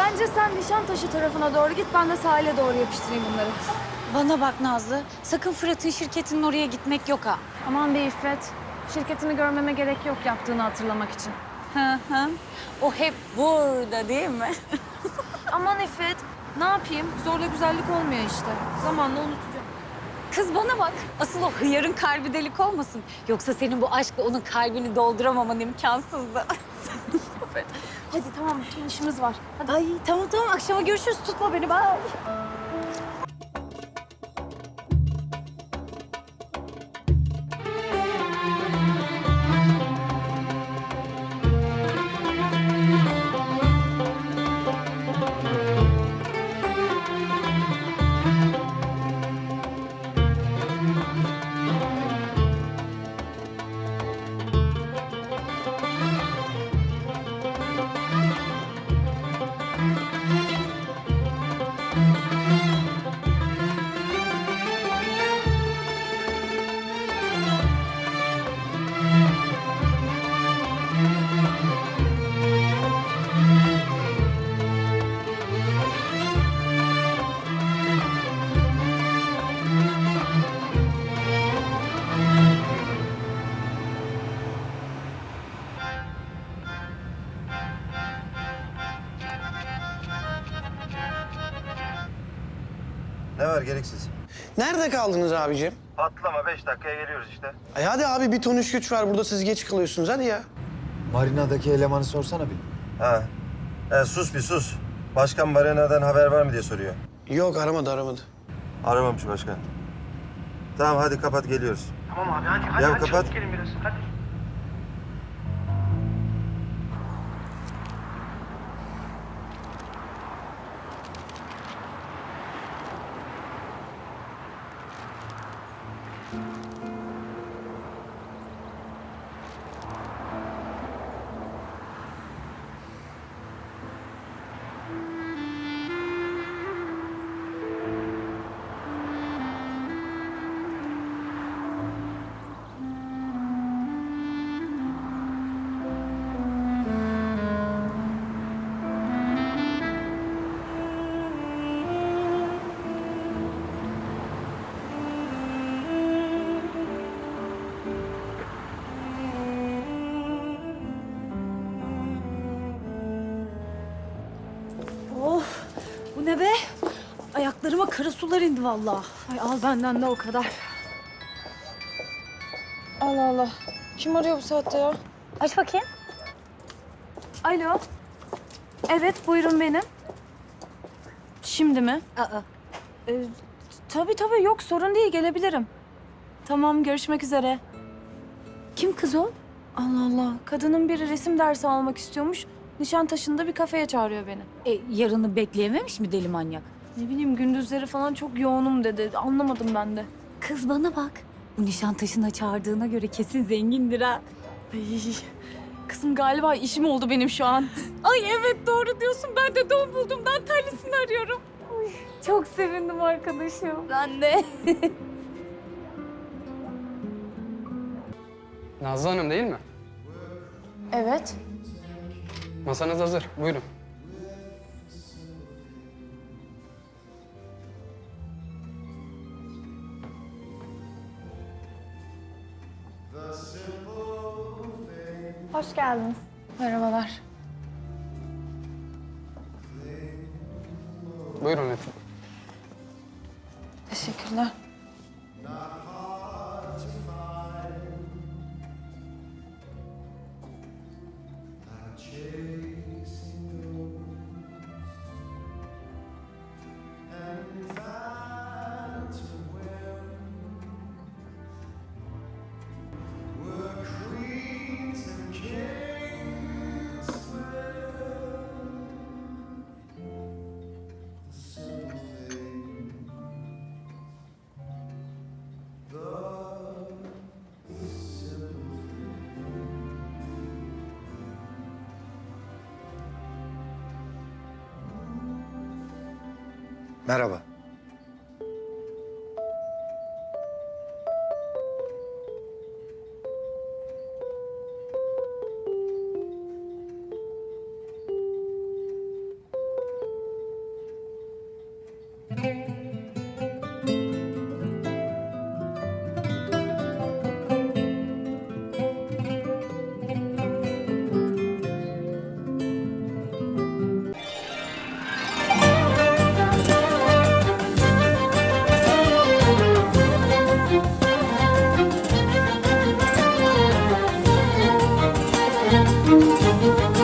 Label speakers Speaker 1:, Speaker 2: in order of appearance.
Speaker 1: Bence sen Nişantaşı tarafına doğru git, ben de sahile doğru yapıştırayım bunları.
Speaker 2: Bana bak Nazlı, sakın Fırat'ın şirketinin oraya gitmek yok ha.
Speaker 1: Aman be İffet, şirketini görmeme gerek yok yaptığını hatırlamak için.
Speaker 2: Hı hı. O hep burada değil mi?
Speaker 1: Aman İffet, ne yapayım? Zorla güzellik olmuyor işte. Zamanla unutacağım.
Speaker 2: Kız bana bak, asıl o hıyarın kalbi delik olmasın. Yoksa senin bu aşkla onun kalbini dolduramaman imkansızdı.
Speaker 1: Hadi tamam, bütün işimiz var. Hadi.
Speaker 2: Ay tamam tamam, akşama görüşürüz. Tutma beni, bye.
Speaker 3: Ne var gereksiz?
Speaker 4: Nerede kaldınız abicim?
Speaker 3: Patlama 5 dakikaya geliyoruz işte.
Speaker 4: Ay hadi abi bir ton iş güç var burada siz geç kalıyorsunuz hadi ya.
Speaker 5: Marina'daki elemanı sorsana bir.
Speaker 3: Ha. Sus bir sus. Başkan Marina'dan haber var mı diye soruyor.
Speaker 4: Yok aramadı.
Speaker 3: Aramamış başkan. Tamam hadi kapat geliyoruz.
Speaker 6: Tamam abi hadi
Speaker 3: Ya
Speaker 6: hadi
Speaker 3: kapat.
Speaker 6: çabuk gelin biraz hadi.
Speaker 1: Oh, bu ne be? Ayaklarıma kara sular indi vallahi. Ay al benden de o kadar. Allah Allah. Kim arıyor bu saatte ya?
Speaker 2: Aç bakayım.
Speaker 1: Alo. Evet, buyurun benim. Şimdi mi?
Speaker 2: Aa,
Speaker 1: Tabii yok sorun değil, gelebilirim. Tamam, görüşmek üzere.
Speaker 2: kim kız o?
Speaker 1: Allah Allah, kadının biri resim dersi almak istiyormuş. Nişantaşı'nda bir kafeye çağırıyor beni.
Speaker 2: Yarını bekleyememiş mi deli manyak?
Speaker 1: Ne bileyim, gündüzleri falan çok yoğunum dedi. Anlamadım ben de.
Speaker 2: Kız bana bak. Bu Nişantaşı'na çağırdığına göre kesin zengindir ha.
Speaker 1: Ay, kızım galiba işim oldu benim şu an.
Speaker 2: Ay evet doğru diyorsun. Ben de don buldum. Ben terlisini arıyorum.
Speaker 1: Çok sevindim arkadaşım.
Speaker 2: Ben de.
Speaker 7: Nazlı Hanım değil mi?
Speaker 1: Evet.
Speaker 7: Masanız hazır. Buyurun.
Speaker 1: Hoş geldiniz. Merhabalar.
Speaker 7: Buyurun efendim.
Speaker 1: Teşekkürler.
Speaker 3: Merhaba.